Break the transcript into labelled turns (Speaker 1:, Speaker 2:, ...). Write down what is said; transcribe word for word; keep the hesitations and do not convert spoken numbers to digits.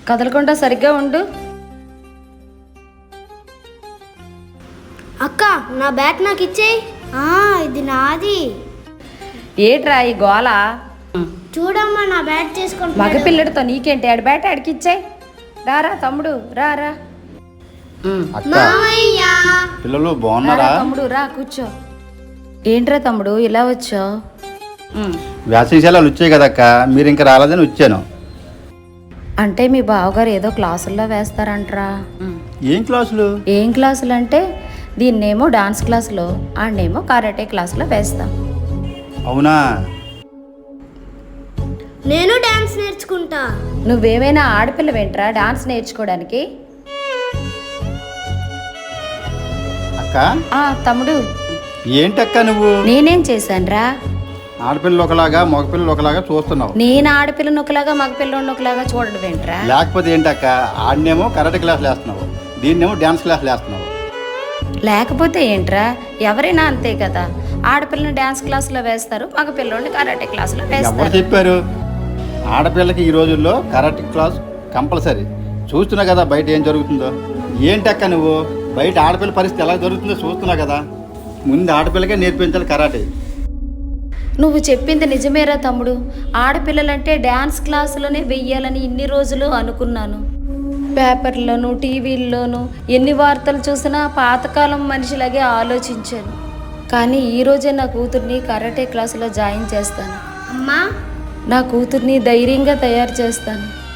Speaker 1: కదలకుండా సరిగ్గా ఉండు.
Speaker 2: అక్క నా బ్యాట్ నాకు ఇచ్చేయి. ఇది నాది.
Speaker 1: ఏట్రా ఈ గోల?
Speaker 2: చూడమ్మా నా బ్యాట్ చేసుకుంటా.
Speaker 1: మగపిల్లడితో నీకేంటి? ఆడి బ్యాట్ ఆడికి ఇచ్చాయి. రారా తమ్ముడు రారా.
Speaker 3: పిల్లలు బాగున్నారా?
Speaker 1: తమ్ముడు రా కూర్చో. ఏంట్రా తమ్ముడు ఇలా వచ్చావు?
Speaker 3: వ్యాసశాలలు వచ్చాయి కదక్క, మీరు ఇంకా రాలేదని వచ్చాను.
Speaker 1: అంటే మీ బావగారు ఏదో క్లాసుల్లో వేస్తారంటరా?
Speaker 3: ఏం క్లాసులు?
Speaker 1: ఏం క్లాసులు అంటే దీన్నేమో డాన్స్ క్లాసులో, ఆడనేమో కరాటే క్లాసులో వేస్తాం.
Speaker 3: అవునా?
Speaker 2: నేను డాన్స్ నేర్చుకుంటా.
Speaker 1: నువ్వేమైనా ఆడపిల్ల వెంట్రా డాన్స్ నేర్చుకోవడానికి?
Speaker 3: అక్క
Speaker 1: ఆ తమ్ముడు
Speaker 3: ఏంటక్క నువ్వు?
Speaker 1: నేనేం చేశానురా?
Speaker 3: ఆడపిల్లలు ఒకలాగా మగపిల్లలు ఒకలాగా చూస్తున్నావు.
Speaker 1: నేను ఆడపిల్ల నొక్కలాగా మగపిల్ల నొక్కలాగా చూడడం ఏంట్రా?
Speaker 3: లేకపోతే ఏంటక్క, ఆడినేమో కరాటే క్లాసులు వేస్తున్నావు, దీన్నేమో డాన్స్ క్లాసులు వేస్తున్నావు.
Speaker 1: లేకపోతే ఏంట్రా? ఎవరైనా అంతే కదా, ఆడపిల్లని డాన్స్ క్లాసులో వేస్తారు, మగపిల్లని కరాటే క్లాసులో
Speaker 3: ఎవరు
Speaker 1: వేస్తారు.
Speaker 3: చెప్పారు? ఆడపిల్లకి ఈ రోజుల్లో కరాటే క్లాస్ కంపల్సరీ. చూస్తున్నా కదా బయట ఏం జరుగుతుందో. ఏంటక్క నువ్వు, బయట ఆడపిల్ల పరిస్థితి ఎలా జరుగుతుందో చూస్తున్నా కదా. ముందు ఆడపిల్లకే నేర్పించాలి కరాటే.
Speaker 1: నువ్వు చెప్పింది నిజమేరా తమ్ముడు. ఆడపిల్లలంటే డ్యాన్స్ క్లాసులోనే వెయ్యాలని ఇన్ని రోజులు అనుకున్నాను. పేపర్లోను టీవీల్లోనూ ఎన్ని వార్తలు చూసినా పాతకాలం మనిషిలాగే ఆలోచించాను. కానీ ఈరోజే నా కూతుర్ని కరాటే క్లాసులో జాయిన్ చేస్తాను.
Speaker 2: అమ్మా
Speaker 1: నా కూతుర్ని ధైర్యంగా తయారు చేస్తాను.